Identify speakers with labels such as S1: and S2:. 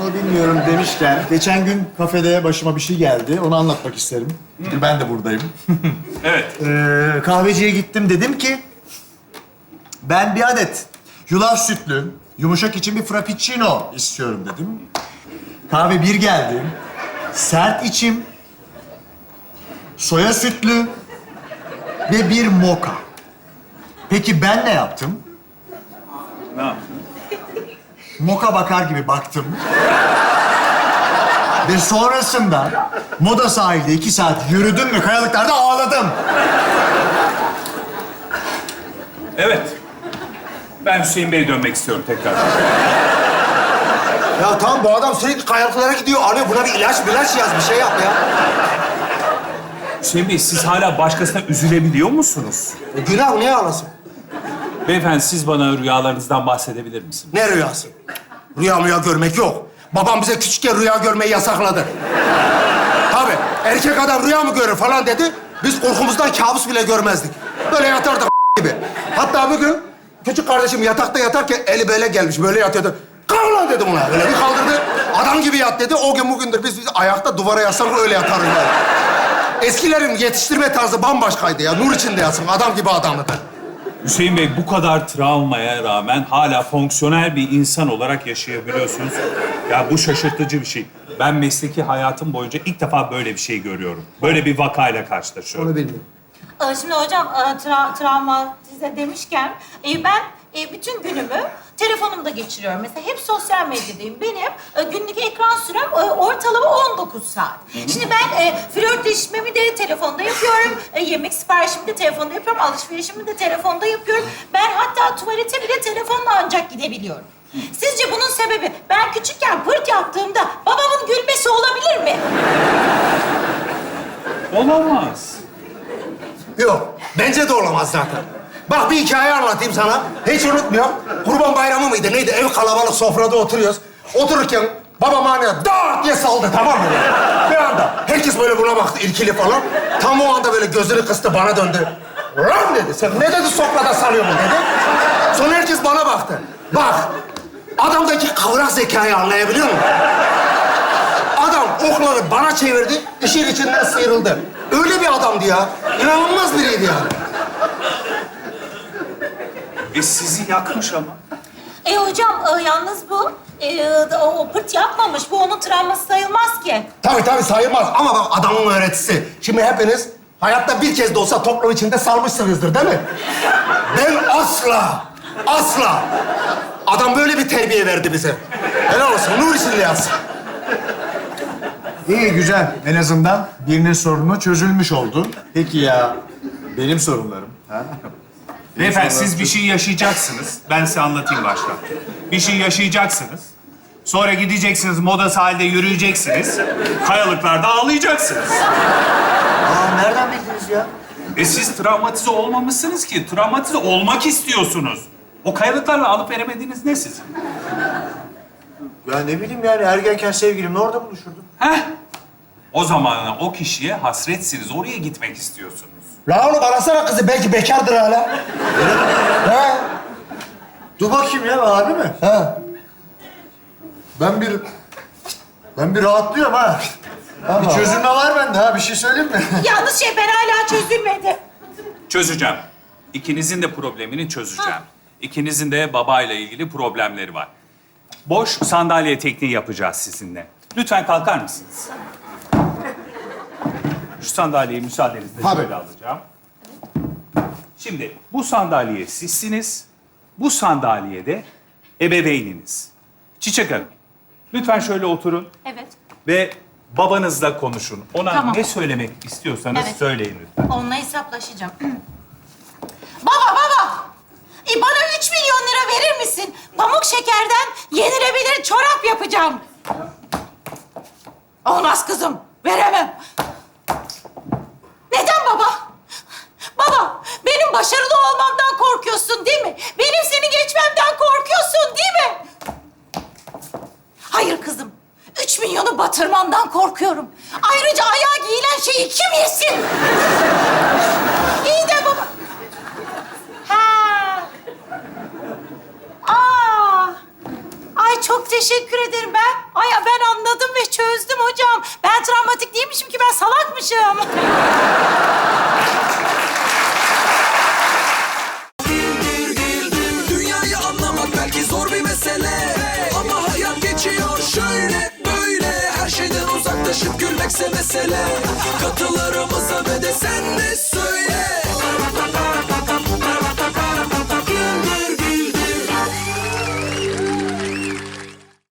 S1: mu bilmiyorum demişken, geçen gün kafede başıma bir şey geldi. Onu anlatmak isterim. Çünkü ben de buradayım.
S2: Evet.
S1: Kahveciye gittim, dedim ki... Ben bir adet yulaf sütlü, yumuşak için bir frappuccino istiyorum dedim. Kahve bir geldi. Sert içim, soya sütlü ve bir moka. Peki ben ne yaptım?
S2: Ne yaptın?
S1: Moka bakar gibi baktım. Ve sonrasında Moda sahilde 2 saat yürüdüm ve kayalıklarda ağladım.
S2: Evet. Ben Hüseyin Bey'e dönmek istiyorum tekrar.
S3: Ya tamam, bu adam sürekli kayalıklara gidiyor, arıyor. Buna bir ilaç yaz, bir şey yap ya.
S2: Hüseyin Bey, siz hala başkasına üzülebiliyor musunuz?
S3: Günah, niye ağlasın?
S2: Beyefendi, siz bana rüyalarınızdan bahsedebilir misiniz?
S3: Ne rüyası? Rüya görmek yok. Babam bize küçükken rüya görmeyi yasakladı. Tabii, erkek adam rüya mı görür falan dedi. Biz korkumuzdan kabus bile görmezdik. Böyle yatardık gibi. Hatta bugün küçük kardeşim yatakta yatarken eli böyle gelmiş, böyle yatıyordu. Kalk lan dedim ona. Böyle bir kaldırdı. Adam gibi yat dedi. O gün bugündür biz ayakta duvara yaslanıp öyle yatarız yani. Eskilerin yetiştirme tarzı bambaşkaydı ya. Nur içinde yatsın. Adam gibi adamdı.
S2: Hüseyin Bey, bu kadar travmaya rağmen hala fonksiyonel bir insan olarak yaşayabiliyorsunuz. Ya bu şaşırtıcı bir şey. Ben mesleki hayatım boyunca ilk defa böyle bir şey görüyorum. Böyle bir vakayla karşılaşıyorum.
S3: Onu bilmiyorum.
S4: Şimdi hocam travmatize demişken ben bütün günümü telefonumda geçiriyorum. Mesela hep sosyal medyadayım. Benim günlük ekran sürem ortalama 19 saat. Şimdi ben flörtleşmemi de telefonda yapıyorum. Yemek siparişimi de telefonda yapıyorum. Alışverişimi de telefonda yapıyorum. Ben hatta tuvalete bile telefonla ancak gidebiliyorum. Sizce bunun sebebi ben küçükken pırt yaptığımda babamın gülmesi olabilir mi?
S2: Olamaz.
S3: Yok, bence de olamaz zaten. Bak bir hikaye anlatayım sana. Hiç unutmuyorum. Kurban Bayramı mıydı neydi? Ev kalabalık, sofrada oturuyoruz. Otururken babam anne dart diye saldı, tamam mı? Bir anda. Herkes böyle buna baktı, irkili falan. Tam o anda böyle gözünü kıstı, bana döndü. Lan dedi, sen ne dedi sofrada salıyorsun dedi. Sonra herkes bana baktı. Bak, adamdaki kavrak zekayı anlayabiliyor musun? Adam okları bana çevirdi, işin içinden sıyrıldı. Öyle bir adamdı ya. İnanılmaz biriydi yani.
S2: Sizi yakmış ama.
S4: Hocam yalnız bu o pırt yapmamış. Bu onun travması sayılmaz ki.
S3: Tabii sayılmaz ama bak adamın öğretisi. Şimdi hepiniz hayatta bir kez de olsa toplum içinde salmışsınızdır değil mi? Ben asla. Adam böyle bir terbiye verdi bize. Helal olsun, nur içinde yatsın.
S1: İyi, güzel. En azından birinin sorunu çözülmüş oldu. Peki ya benim sorunlarım? Ha?
S2: Beyefendi, siz bir şey yaşayacaksınız. Ben size anlatayım baştan. Bir şey yaşayacaksınız. Sonra gideceksiniz, Moda sahilde yürüyeceksiniz. Kayalıklarda ağlayacaksınız.
S1: Nereden bildiniz ya?
S2: Siz travmatize olmamışsınız ki. Travmatize olmak istiyorsunuz. O kayalıklarla alıp veremediğiniz ne sizin?
S1: Ya ne bileyim yani, ergenken sevgilimle orada buluşurdum.
S2: Heh. O zaman o kişiye hasretsiniz. Oraya gitmek istiyorsunuz.
S3: La oğlum arasana kızı, belki bekardır hala. He?
S1: Dur bakayım ya, abi mi?
S3: He.
S1: Ben bir rahatlıyorum ha. Bir çözülme var bende ha, bir şey söyleyeyim mi?
S4: Yalnız ben hala çözülmedi.
S2: Çözeceğim. İkinizin de problemini çözeceğim. İkinizin de babayla ilgili problemleri var. Boş sandalye tekniği yapacağız sizinle. Lütfen kalkar mısınız? Şu sandalyeyi müsaadenizle
S3: Tabii.
S2: şöyle alacağım. Şimdi bu sandalye sizsiniz. Bu sandalyede ebeveyniniz. Çiçek Hanım, lütfen şöyle oturun
S4: Evet.
S2: ve babanızla konuşun. Ona
S4: Tamam.
S2: ne söylemek istiyorsanız
S4: Evet.
S2: söyleyin lütfen.
S4: Onunla hesaplaşacağım. Baba! Bana 3 milyon lira verir misin? Pamuk şekerden yenilebilir çorap yapacağım. Olmaz kızım, veremem. Neden baba? Baba, benim başarılı olmamdan korkuyorsun değil mi? Benim seni geçmemden korkuyorsun değil mi? Hayır kızım, 3 milyonu batırmandan korkuyorum. Ayrıca ayağa giyilen şeyi kim yesin? İyi de baba. Ha. Aa. Ay çok çok teşekkür ederim ben. Ben anladım ve çözdüm hocam. Ben travmatik değilmişim ki, ben salakmışım.